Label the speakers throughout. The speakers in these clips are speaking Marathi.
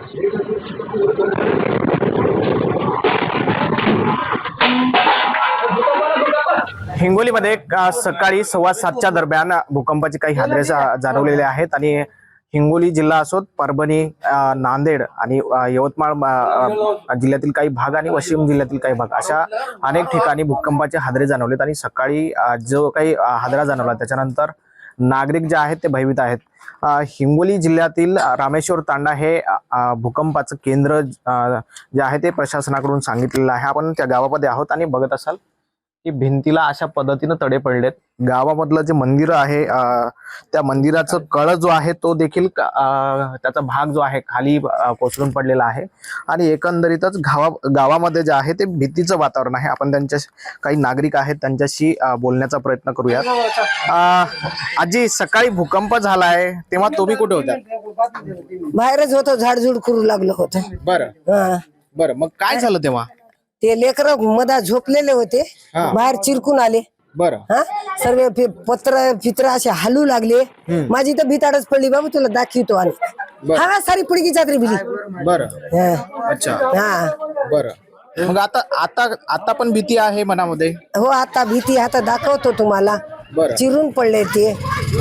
Speaker 1: हिंगोलीमध्ये सकाळी 7:15च्या दरम्यान भूकंपाचे काही हादरे जाणवलेले आहेत आणि हिंगोली जिल्हा असोत, परभणी, नांदेड आणि यवतमाळ जिल्ह्यातील काही भाग आणि वाशिम जिल्ह्यातील काही भाग अशा अनेक ठिकाणी भूकंपाचे हादरे जाणवलेत आणि सकाळी जो काही हादरा जाणवला त्याच्यानंतर नागरिक जे आहेत ते भयभीत आहेत. हिंगोली जिल्ह्यातील रामेश्वर तांडा हे भूकंपाचं केंद्र जे आहे ते प्रशासनाकडून सांगितलेलं आहे. आपण त्या गावामध्ये आहोत आणि बघत असाल की भिंतीला अशा पद्धतीने तडे पडलेत. गावामधलं जे मंदिर आहे त्या मंदिराचं कळ जो आहे तो देखील त्याचा भाग जो आहे खाली कोसळून पडलेला आहे आणि एकंदरीतच गावामध्ये जे आहे ते भीतीचं वातावरण आहे. आपण त्यांच्या काही नागरिक आहेत त्यांच्याशी बोलण्याचा प्रयत्न करूयात. आजी, सकाळी भूकंप झालाय तेव्हा तुम्ही कुठे होता?
Speaker 2: बाहेरच होतो, झाडझुड करू लागलो होतो.
Speaker 1: बरं बरं, मग काय झालं तेव्हा?
Speaker 2: ते लेकर मधा झोपलेले होते, बाहेर चिरकून आले.
Speaker 1: बरं,
Speaker 2: सर्व पत्र असे हलू लागले. माझी तर भीताडच पडली. बाबू तुला दाखवतो आणि हा सारी पुडकी चादरी भिली.
Speaker 1: बरं, अच्छा, बरं. मग आता पण भीती आहे मनामध्ये?
Speaker 2: हो, आता भीती, आता दाखवतो तुम्हाला. चिरून पडले ते.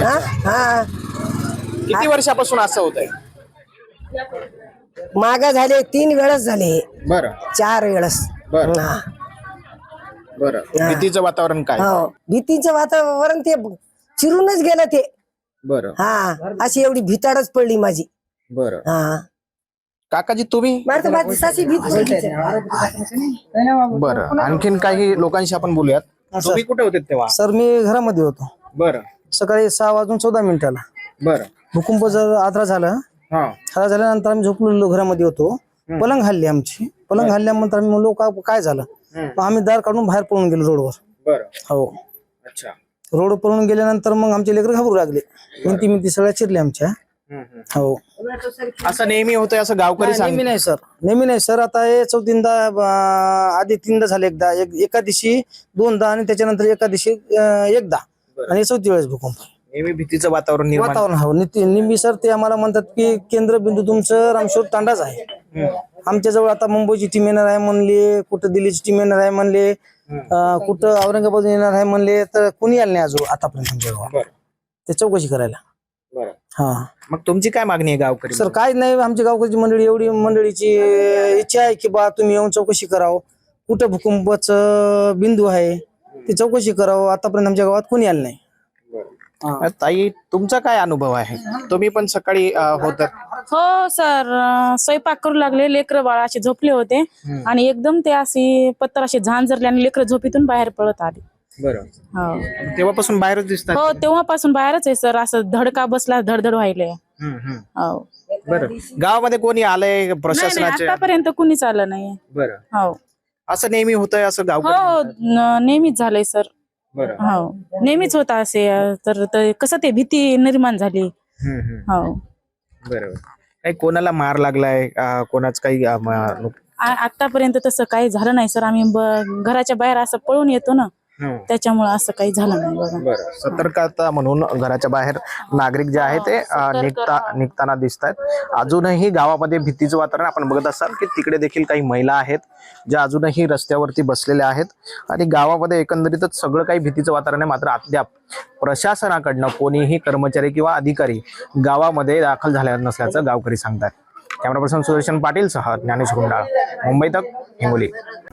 Speaker 1: किती वर्षापासून असं होत आहे?
Speaker 2: मागा झाले 3 वेळेस झाले.
Speaker 1: बरं,
Speaker 2: 4 वेळेस.
Speaker 1: बरं. भीतीचं वातावरण काय?
Speaker 2: हो, भीतीचं वातावरण ते चिरूनच गेलं ते.
Speaker 1: बरं,
Speaker 2: अशी एवढी भीताडच पडली माझी.
Speaker 1: बरं. काकाजी, तुम्ही? बरं, आणखीन काही लोकांशी आपण बोलूयात. तुम्ही कुठे होते तेव्हा?
Speaker 3: सर, मी घरामध्ये होतो.
Speaker 4: बरं.
Speaker 3: सकाळी 6:14
Speaker 4: बरं.
Speaker 3: भूकंप जर आदरा झालं. हादरा झाल्यानंतर आम्ही झोपलेलो घरामध्ये होतो. पलंग हल्ली आमची. पलंग हल्ल्यानंतर आम्ही म्हणलो काय झालं. मग आम्ही दार काढून बाहेर पळून गेलो रोडवर.
Speaker 4: बरं.
Speaker 3: हो,
Speaker 4: अच्छा.
Speaker 3: रोड पळून गेल्यानंतर मग आमचे लेकर घाबरू लागले. मिंती सगळ्या चिरल्या आमच्या. हो,
Speaker 1: असं नेहमी होतंय असं गावकरी
Speaker 3: नेहमी नाही सर, नेहमी नाही सर. आता हे 4थींदा, आधी 3दा झाले. एका दिवशी 2दा आणि त्याच्यानंतर एका दिवशी 1दा आणि 4थी वेळेस भूकंप.
Speaker 1: नेहमी भीतीचं वातावरण
Speaker 3: हो, नेहमी सर. ते आम्हाला म्हणतात की केंद्रबिंदू तुमचं रामेश्वर तांडाच आहे. आमच्या जवळ आता मुंबईची टीम येणार आहे म्हणले, कुठं दिल्लीची टीम येणार आहे म्हणले, कुठं औरंगाबाद येणार आहे म्हणले, तर कोणी आलं नाही अजून आतापर्यंत आमच्या गावात ते चौकशी करायला.
Speaker 1: मग तुमची काय मागणी आहे गावकरी?
Speaker 3: सर, काय नाही, आमची गावकरी मंडळी एवढी मंडळीची इच्छा आहे की बा तुम्ही येऊन चौकशी करावं, कुठं भूकंपाचं बिंदू आहे ती चौकशी करावं. आतापर्यंत आमच्या गावात कोणी आलं नाही.
Speaker 1: ताई, तुमचा काय अनुभव आहे? तुम्ही पण सकाळी होत?
Speaker 5: हो सर, स्वयंपाक करू लागले, लेकर बाळ असे झोपले होते आणि एकदम ते अशी पत्तर असे झांजरले आणि लेकर झोपीतून बाहेर पळत आले.
Speaker 1: बरं.
Speaker 5: हो,
Speaker 1: तेव्हापासून बाहेरच दिसतात?
Speaker 5: हो, तेव्हापासून बाहेरच आहे सर. असं धडका बसला, धडधड व्हायले. हो,
Speaker 1: बरं. गावामध्ये कोणी आलंय प्रशासनाचे?
Speaker 5: आतापर्यंत कुणीच आलं नाही.
Speaker 1: बरं.
Speaker 5: हो,
Speaker 1: असं नेहमी होतंय असं गाव?
Speaker 5: हो, नेहमीच झालंय सर. हो, नेहमीच होता असे. तर कसं ते भीती निर्माण झाली. हो,
Speaker 1: बरोबर. काही कोणाला मार लागलाय, कोणाच काही?
Speaker 5: आतापर्यंत तसं काही झालं नाही सर. आम्ही घराच्या बाहेर असं पळून येतो ना, त्याच्यामुळे असं काही झालं नाही. बघा,
Speaker 1: बरं. सतर्कता म्हणून घराच्या बाहेर नागरिक जे आहे ते निघताना दिसत आहेत. अजूनही गावामध्ये भीतीचं वातावरण आपण बघत असाल की तिकडे देखील काही महिला आहेत ज्या अजूनही रस्त्यावरती बसलेल्या आहेत आणि गावामध्ये एकंदरीतच सगळं काही भीतीचं वातावरण आहे. मात्र अद्याप प्रशासनाकडनं कोणीही कर्मचारी किंवा अधिकारी गावामध्ये दाखल झाले नसल्याचं गावकरी सांगतात. कॅमेरा पर्सन सुदर्शन पाटील सह ज्ञानेश गुंडाळ, मुंबई तक, हिंगोली.